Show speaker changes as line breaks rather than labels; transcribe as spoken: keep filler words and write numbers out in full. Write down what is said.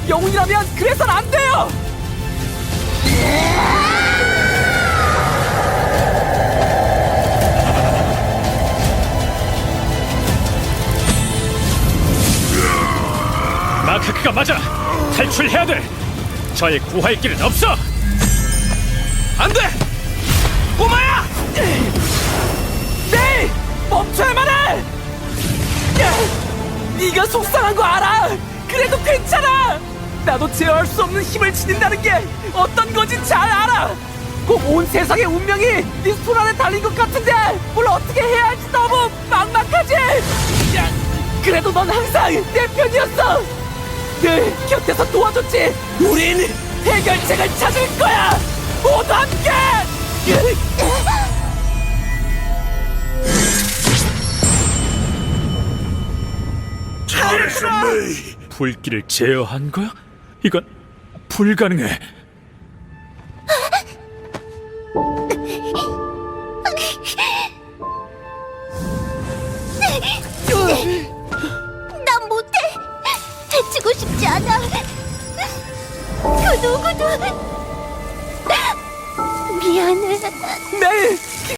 영웅이라면 그래선 안 돼요!
마크크가 맞아! 탈출해야 돼! 저의 구할 길은 없어! 안 돼! 꼬마야!
네! 멈춰야만 해! 야, 네가 속상한 거 알아! 그래도 괜찮아! 나도 제어할 수 없는 힘을 지닌다는 게 어떤 건지 잘 알아! 꼭 온 세상의 운명이 네 손 안에 달린 것 같은데 뭘 어떻게 해야 할지 너무 막막하지! 야, 그래도 넌 항상 내 편이었어! 늘 곁에서 도와줬지! 우린 해결책을 찾을 거야! 모두 함께!
잘했어, 메이.
불길을 제어한 거야? 이건 불가능해.
난 못해. 해치고 싶지 않아. 그 누구도 미안해.
네!